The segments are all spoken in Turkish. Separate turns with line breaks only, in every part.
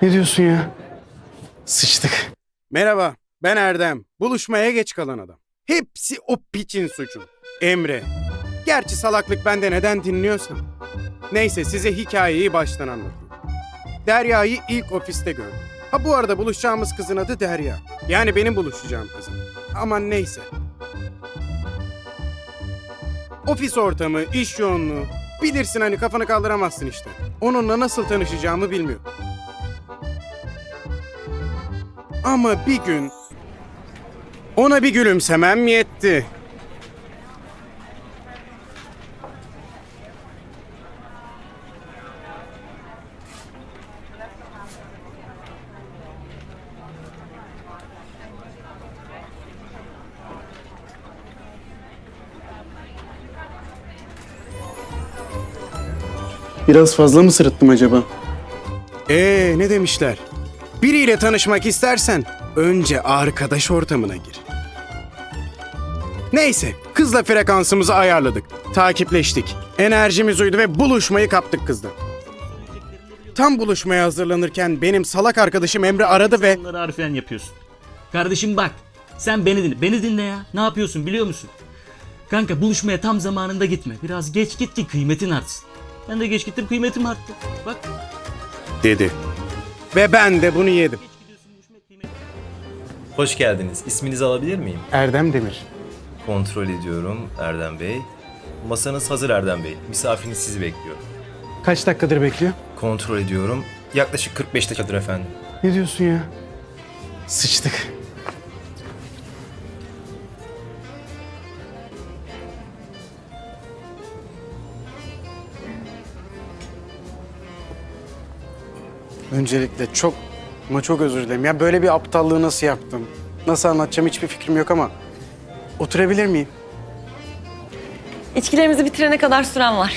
Ne diyorsun ya? Sıçtık.
Merhaba, ben Erdem. Buluşmaya geç kalan adam. Hepsi o piçin suçu. Emre. Gerçi salaklık bende, neden dinliyorsam. Neyse, size hikayeyi baştan anlatayım. Derya'yı ilk ofiste gördüm. Ha, bu arada buluşacağımız kızın adı Derya. Yani benim buluşacağım kızım. Aman neyse. Ofis ortamı, iş yoğunluğu. Bilirsin hani, kafanı kaldıramazsın işte. Onunla nasıl tanışacağımı bilmiyorum. Ama bir gün ona bir gülümsemem yetti.
Biraz fazla mı sırıttım acaba?
Ne demişler? Biriyle tanışmak istersen önce arkadaş ortamına gir. Neyse, kızla frekansımızı ayarladık. Takipleştik. Enerjimiz uydu ve buluşmayı kaptık kızla. Tam buluşmaya hazırlanırken benim salak arkadaşım Emre aradı ve...
Bunları harfiyen yapıyorsun. Kardeşim bak, sen beni dinle. Beni dinle ya. Ne yapıyorsun biliyor musun? Kanka buluşmaya tam zamanında gitme. Biraz geç git ki kıymetin artsın. Ben de geç gittim, kıymetim arttı. Bak.
dedi. Ve ben de bunu yedim.
Hoş geldiniz. İsminizi alabilir miyim?
Erdem Demir.
Kontrol ediyorum Erdem Bey. Masanız hazır Erdem Bey. Misafiriniz sizi bekliyor.
Kaç dakikadır bekliyor?
Kontrol ediyorum. Yaklaşık 45 dakikadır efendim.
Ne diyorsun ya? Sıçtık. Öncelikle çok ama çok özür dilerim. Ya böyle bir aptallığı nasıl yaptım? Nasıl anlatacağım hiçbir fikrim yok ama oturabilir miyim?
İçkilerimizi bitirene kadar süren var.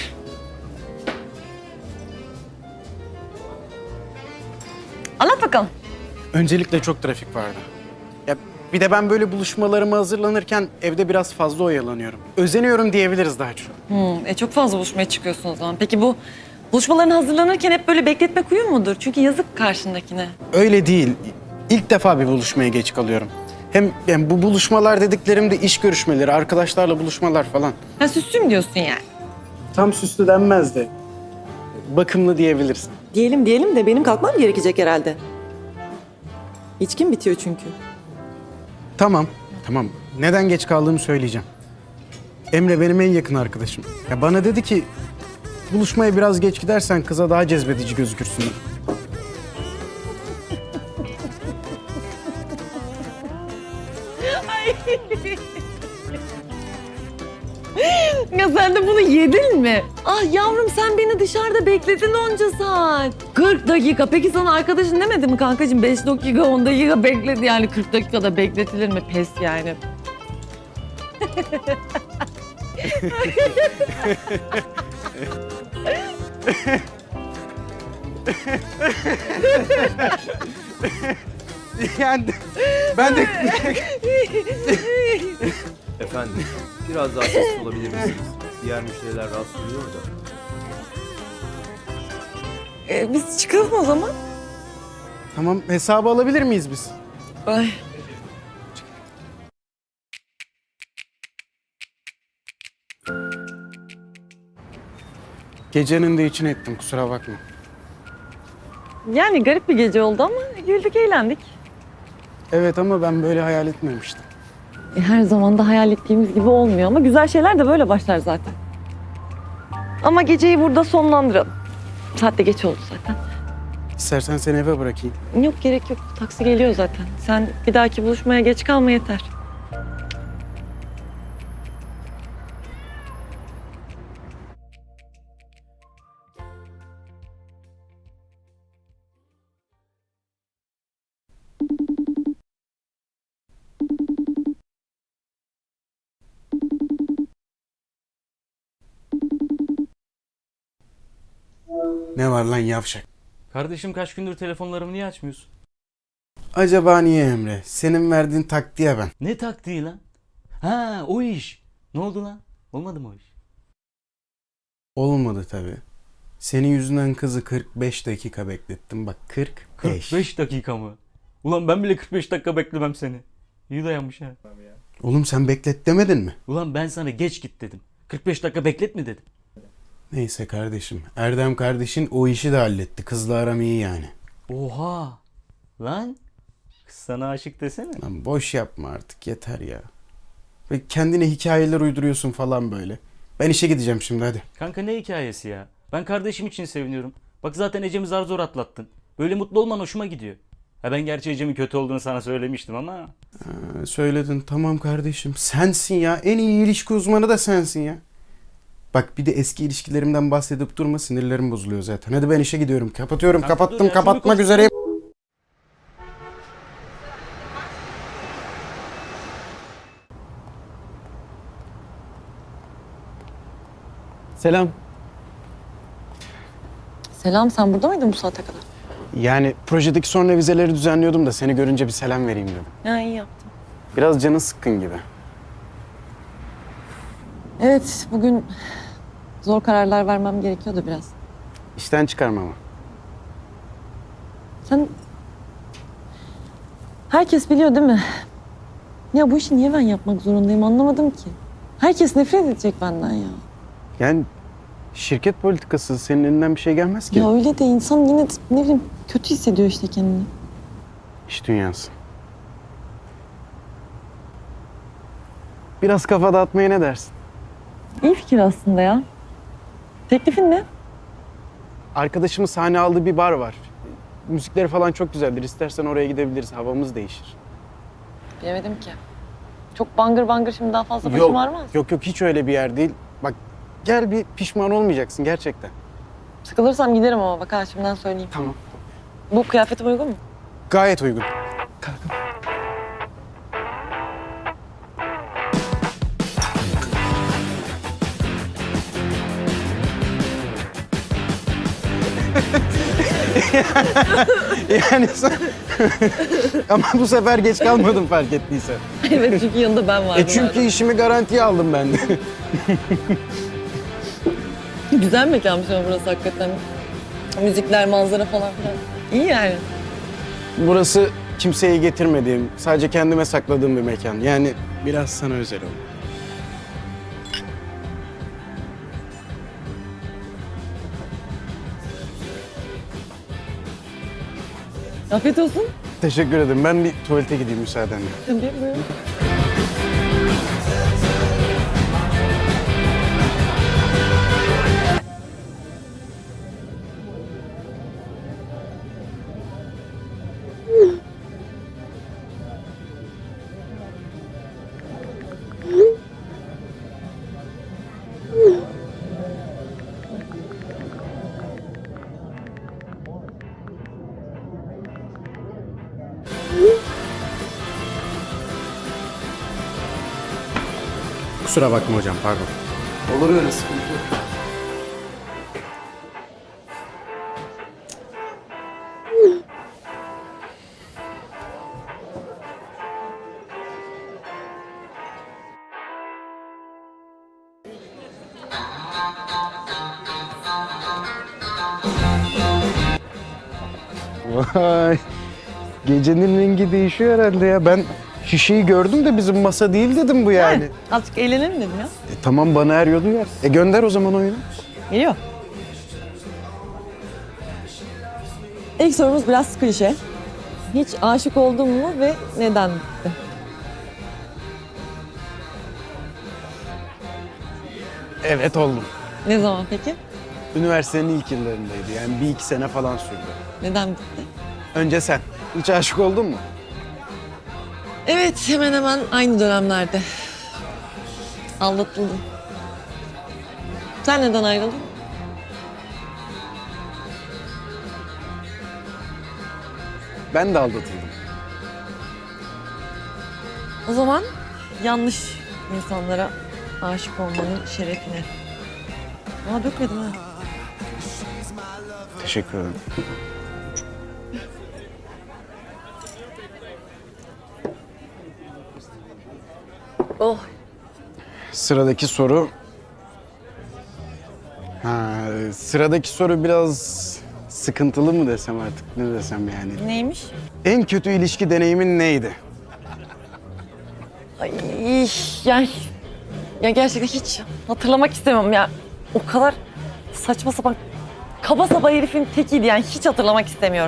Anlat bakalım.
Öncelikle çok trafik vardı. Ya bir de ben böyle buluşmalarıma hazırlanırken evde biraz fazla oyalanıyorum. Özeniyorum diyebiliriz daha çok.
Çok fazla buluşmaya çıkıyorsun o zaman. Peki bu buluşmalarına hazırlanırken hep böyle bekletmek uyum mudur? Çünkü yazık karşındakine.
Öyle değil. İlk defa bir buluşmaya geç kalıyorum. Hem yani bu buluşmalar dediklerim de iş görüşmeleri, arkadaşlarla buluşmalar falan.
Ha süslüm diyorsun yani.
Tam süslü denmez de bakımlı diyebilirsin.
Diyelim de benim kalkmam gerekecek herhalde. İçkim bitiyor çünkü.
Tamam. Neden geç kaldığımı söyleyeceğim. Emre benim en yakın arkadaşım. Ya bana dedi ki buluşmaya biraz geç gidersen kıza daha cezbedici gözükürsün.
Ya sen de bunu yedin mi? Ah yavrum sen beni dışarıda bekledin onca saat. 40 dakika. Peki sana arkadaşın demedi mi kankacığım? 5 dakika 10 dakika bekledi yani 40 dakikada bekletilir mi? Pes yani.
Yani ben de
Efendim, biraz daha sessiz olabilir misiniz? Diğer müşteriler rahatsız oluyor da.
Biz çıkalım o zaman.
tamam hesabı alabilir miyiz biz?
Ay.
Gecenin de için ettim kusura bakma.
Yani garip bir gece oldu ama güldük eğlendik.
Evet ama ben böyle hayal etmemiştim.
Her zaman da hayal ettiğimiz gibi olmuyor ama güzel şeyler de böyle başlar zaten. Ama geceyi burada sonlandıralım. Saat de geç oldu zaten.
İstersen seni eve bırakayım.
Yok gerek yok. Taksi geliyor zaten. Sen bir dahaki buluşmaya geç kalma yeter.
Ne var lan yavşak?
Kardeşim kaç gündür telefonlarımı niye açmıyorsun?
Acaba niye Emre? Senin verdiğin taktiğe ben.
Ne taktiği lan? Ha o iş. Ne oldu lan? Olmadı mı o iş?
Olmadı tabii. Senin yüzünden kızı 45 dakika beklettim. Bak 45.
45 dakika mı? Ulan ben bile 45 dakika beklemem seni. İyi dayanmış ha.
Oğlum sen beklet demedin mi?
Ulan ben sana geç git dedim. 45 dakika bekletme dedim.
Neyse kardeşim. Erdem kardeşin o işi de halletti. Kızla aram iyi yani.
Oha. Lan. Kız sana aşık desene.
Lan boş yapma artık yeter ya. Ve kendine hikayeler uyduruyorsun falan böyle. Ben işe gideceğim şimdi hadi.
Kanka ne hikayesi ya? Ben kardeşim için seviniyorum. Bak zaten Ecem'i zar zor atlattın. Böyle mutlu olman hoşuma gidiyor. Ha ben gerçi Ecem'in kötü olduğunu sana söylemiştim ama.
Söyledin tamam kardeşim. Sensin ya. En iyi ilişki uzmanı da sensin ya. Bak bir de eski ilişkilerimden bahsedip durma, sinirlerim bozuluyor zaten. Hadi ben işe gidiyorum. Kapatıyorum.
Kanka dur
Kapattım.
ya,
Kapatmak
şunu
üzereyim. Selam.
Selam, sen burada mıydın bu saate kadar?
Yani projedeki son revizeleri düzenliyordum da seni görünce bir selam vereyim dedim.
Ya iyi yaptın.
Biraz canın sıkkın gibi.
Evet, bugün zor kararlar vermem gerekiyordu biraz.
İşten çıkarma ama.
Sen... Herkes biliyor değil mi? Ya bu işi niye ben yapmak zorundayım anlamadım ki. Herkes nefret edecek benden ya.
Yani şirket politikası, senin elinden bir şey gelmez ki.
Ya öyle de insan yine de ne bileyim kötü hissediyor işte kendini.
İş dünyası. Biraz kafa dağıtmaya ne dersin?
İyi fikir aslında ya. Teklifin ne?
Arkadaşımın sahne aldığı bir bar var. Müzikleri falan çok güzeldir. İstersen oraya gidebiliriz. Havamız değişir.
Bilemedim ki. Çok bangır bangır şimdi daha fazla başım ağrımaz.
Yok hiç öyle bir yer değil. Bak gel, bir pişman olmayacaksın gerçekten.
Sıkılırsam giderim ama bak ha şimdiden söyleyeyim.
Tamam.
Bu kıyafetim uygun mu?
Gayet uygun. Yani ama bu sefer geç kalmadım fark ettiysen.
Evet çünkü yanında ben vardım.
Çünkü işimi garantiye aldım ben de.
Güzel mekanmış ama burası hakikaten. Müzikler, manzara falan filan. İyi yani.
Burası kimseyi getirmediğim, sadece kendime sakladığım bir mekan. Yani biraz sana özel oldu.
Afiyet olsun.
Teşekkür ederim. Ben bir tuvalete gideyim müsaadenle.
Tabii buyurun.
Kusura bakma hocam, pardon.
Olur öyle, sıkıntı yok.
Vay. Gecenin rengi değişiyor herhalde ya. Ben şişeyi gördüm de bizim masa değil dedim bu yani.
Azıcık eğlenelim dedim ya.
Tamam, bana er yolu yer. Gönder o zaman oyunu.
Geliyor. İlk sorumuz biraz klişe. Hiç aşık oldun mu ve neden bitti?
Evet oldum.
Ne zaman peki?
Üniversitenin ilk yıllarındaydı. Yani bir iki sene falan sürdü.
Neden bitti?
Önce sen. Hiç aşık oldun mu?
Evet, hemen hemen aynı dönemlerde. Aldatıldım. Sen neden ayrıldın?
Ben de aldatıldım.
O zaman yanlış insanlara aşık olmanın şerefine. Aa dökmedim ha.
Teşekkür ederim.
Oh.
Sıradaki soru... Sıradaki soru biraz sıkıntılı mı desem artık, ne desem yani.
Neymiş?
En kötü ilişki deneyimin neydi?
Ay, ya gerçekten hiç hatırlamak istemem ya. O kadar saçma sapan, kaba saba herifin tekiydi yani, hiç hatırlamak istemiyorum.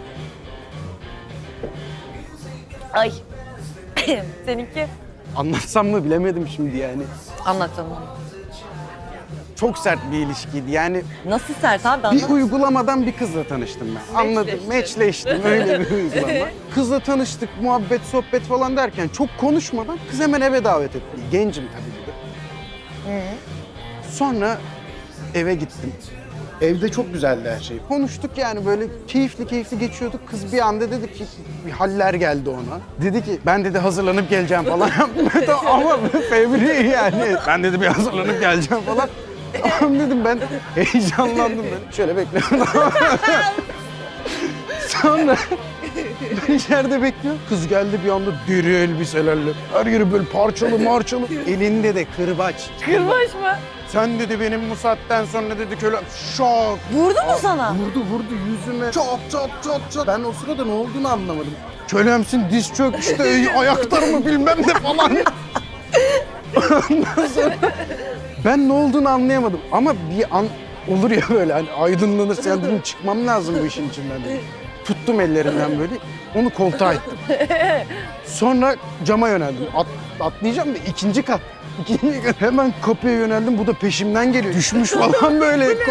Ay. Seninki?
Anlatsam mı bilemedim şimdi yani.
Anlat canım.
Çok sert bir ilişkiydi yani.
Nasıl sert abi,
Bir
anlat.
uygulamadan bir kızla tanıştım ben. Anladım, matchleştim öyle bir uygulama. Kızla tanıştık, muhabbet, sohbet falan derken çok konuşmadan kız hemen eve davet etti. Gencim tabii bir de. Sonra eve gittim. Evde çok güzeldi her şey. Konuştuk yani böyle keyifli geçiyorduk. Kız bir anda dedi ki bir haller geldi ona. Dedi ki ben dedi hazırlanıp geleceğim falan. Ama fevri yani. Ben dedi bir hazırlanıp geleceğim falan. Tamam dedim ben heyecanlandım ben. Şöyle bekliyorum. Sonra ben içeride bekliyorum. Kız geldi bir anda deri elbiselerle. Her yeri böyle parçalı. Elinde de kırbaç.
Kırbaç mı?
Sen dedi benim bu saatten sonra dedi köle şok.
Vurdu mu sana?
Vurdu yüzüme. Çok. Ben o sırada ne olduğunu anlamadım. Kölemsin diz çök işte ayaklar mı bilmem ne falan. Ondan sonra ben ne olduğunu anlayamadım ama bir an olur ya böyle hani aydınlanırsa yani dedim çıkmam lazım bu işin içinden dedim. Tuttum ellerinden böyle onu koltuğa ittim. Sonra cama yöneldim. Atlayacağım da ikinci kat. Hemen kapıya yöneldim. Bu da peşimden geliyor. Düşmüş falan böyle.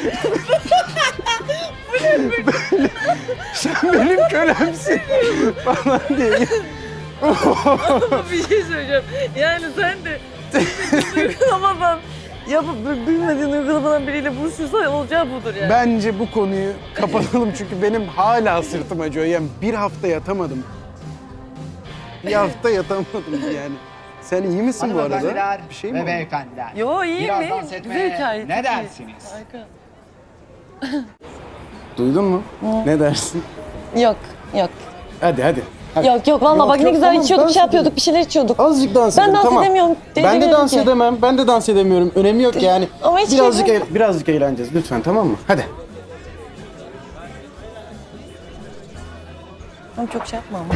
Sen benim kölemsin falan diye.
Bir şey söyleyeceğim. Yani sen de uygulamadan bilmediğin uygulamadan biriyle buluşursan olacağı budur yani.
Bence bu konuyu kapatalım çünkü benim hala sırtım acıyor. Yani bir hafta yatamadım. Bir hafta yatamadım yani. Sen iyi misin bu arada?
Hanımefendiler
Bir şey mi
ve
oldu?
beyefendiler.
Yo iyiyim
Biraz
iyiyim.
dans
Güzel
etmeye
hikaye.
ne
çok iyi.
dersiniz?
Harika.
Duydun mu? Ne dersin?
Yok.
Hadi.
Yok valla bak ne
yok,
güzel
tamam,
içiyorduk,
dans
şey yapıyorduk, bir şeyler içiyorduk.
Azıcık dans
Ben
edelim,
dans
tamam.
edemiyorum.
Ben de
edemiyorum
dans
ki.
edemem. Ben de dans edemiyorum. Önemi yok yani.
Ama hiç
Birazcık eğleneceğiz lütfen tamam mı? Hadi.
Tamam çok şey yapma ama.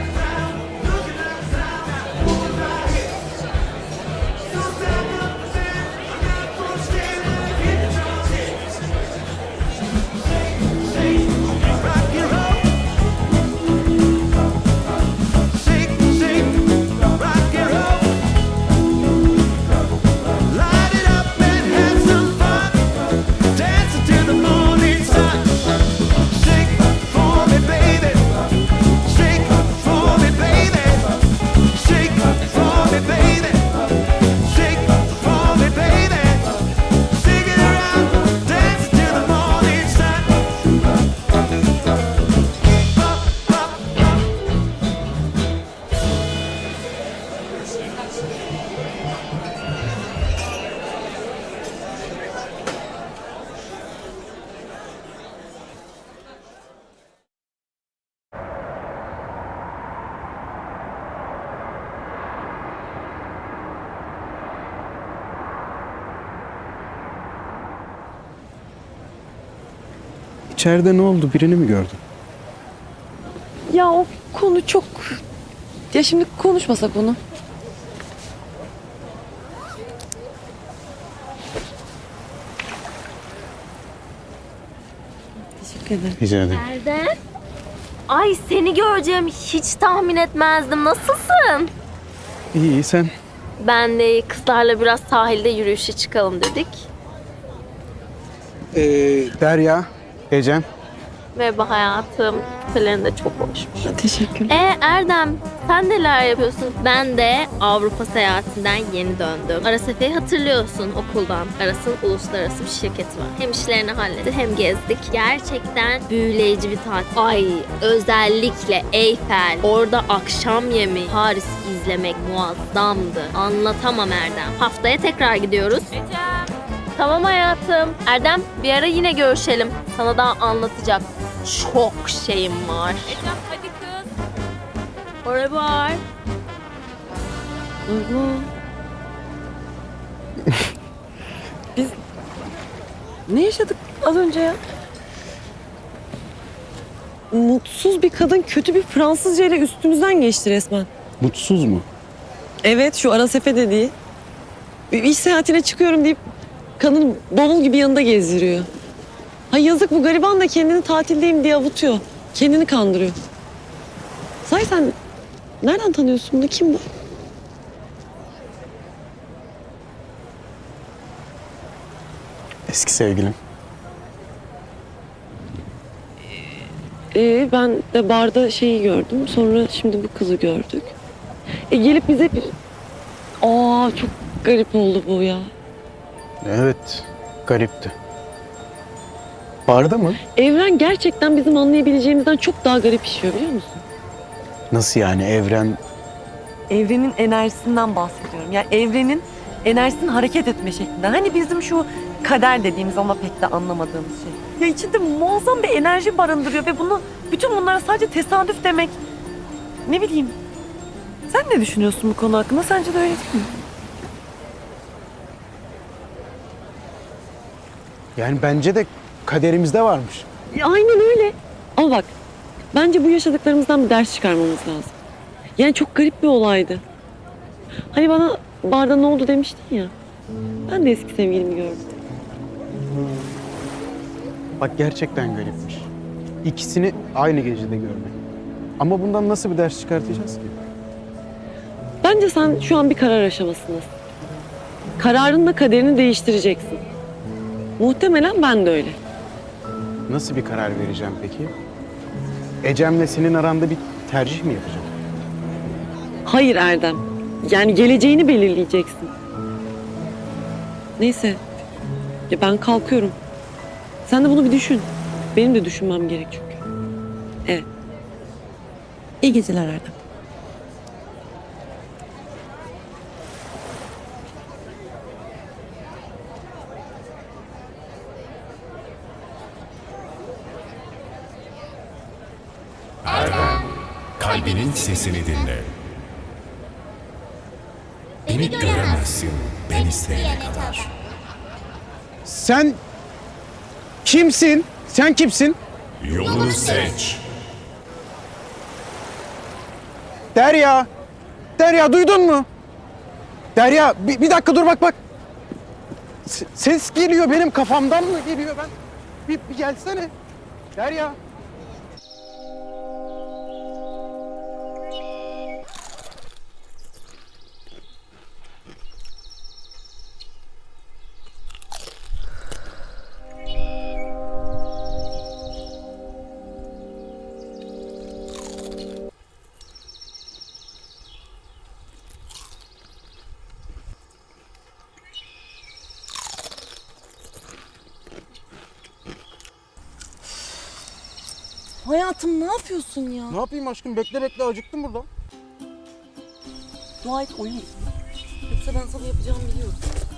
İçeride ne oldu? Birini mi gördün?
Ya o konu çok... Ya şimdi konuşmasak onu. Teşekkür ederim.
Rica ederim.
Nerede? Ay seni göreceğim hiç tahmin etmezdim. Nasılsın?
İyi sen?
Ben de kızlarla biraz sahilde yürüyüşe çıkalım dedik.
Derya, Ecem.
Merhaba hayatım. Küpelerin de çok hoşmuş.
Teşekkürler.
Erdem sen neler yapıyorsun? Ben de Avrupa seyahatinden yeni döndüm. Aras Efe'yi hatırlıyorsun okuldan. Aras'ın uluslararası bir şirketi var. Hem işlerini hallettik hem gezdik. Gerçekten büyüleyici bir tatil. Ay özellikle Eyfel, orada akşam yemeği, Paris izlemek muazzamdı. Anlatamam Erdem. Haftaya tekrar gidiyoruz. Tamam hayatım. Erdem bir ara yine görüşelim. Sana daha anlatacak çok şeyim var. Ecem hadi kız. Oraya var.
Ne yaşadık az önce ya. Mutsuz bir kadın kötü bir Fransızca ile üstümüzden geçti resmen.
Mutsuz mu?
Evet, şu Arasefe dediği. Bir iş seyahatine çıkıyorum deyip kadın bavul gibi yanında gezdiriyor. Hay yazık, bu gariban da kendini tatildeyim diye avutuyor. Kendini kandırıyor. Sahi sen nereden tanıyorsun bunu? Kim bu?
Eski sevgilim.
Ben de barda şeyi gördüm. Sonra şimdi bu kızı gördük. Gelip bize bir... Aa, çok garip oldu bu ya.
Evet, garipti. Barda mı?
Evren gerçekten bizim anlayabileceğimizden çok daha garip işiyor, biliyor musun?
Nasıl yani evren?
Evrenin enerjisinden bahsediyorum. Yani evrenin enerjisinin hareket etme şeklinden. Hani bizim şu kader dediğimiz ama pek de anlamadığımız şey. Ya içinde muazzam bir enerji barındırıyor ve bütün bunlara sadece tesadüf demek. Ne bileyim. Sen ne düşünüyorsun bu konu hakkında? Sence de öyle değil mi?
Yani bence de kaderimizde varmış.
Aynen öyle. Ama bak, bence bu yaşadıklarımızdan bir ders çıkarmamız lazım. Yani çok garip bir olaydı. Hani bana barda ne oldu demiştin ya. Ben de eski sevgilimi gördüm.
Bak gerçekten garipmiş. İkisini aynı gecede görmek. Ama bundan nasıl bir ders çıkartacağız ki?
Bence sen şu an bir karar aşamasındasın. Kararınla kaderini değiştireceksin. Muhtemelen ben de öyle.
Nasıl bir karar vereceğim peki? Ecem'le senin aranda bir tercih mi yapacağım?
Hayır Erdem. Yani geleceğini belirleyeceksin. Neyse. Ya ben kalkıyorum. Sen de bunu bir düşün. Benim de düşünmem gerek çünkü. Evet. İyi geceler Erdem.
Kalbinin sesini dinle. Beni göremezsin ben isteyene kadar.
Sen kimsin? Sen kimsin?
Yolunu seç.
Derya! Derya duydun mu? Derya bir dakika dur bak. Ses geliyor benim kafamdan mı geliyor ben? Bir gelsene. Derya.
Hayatım ne yapıyorsun ya?
Ne yapayım aşkım? Bekle acıktım burada.
Dua et oyun. Yoksa ben sana yapacağımı biliyorum.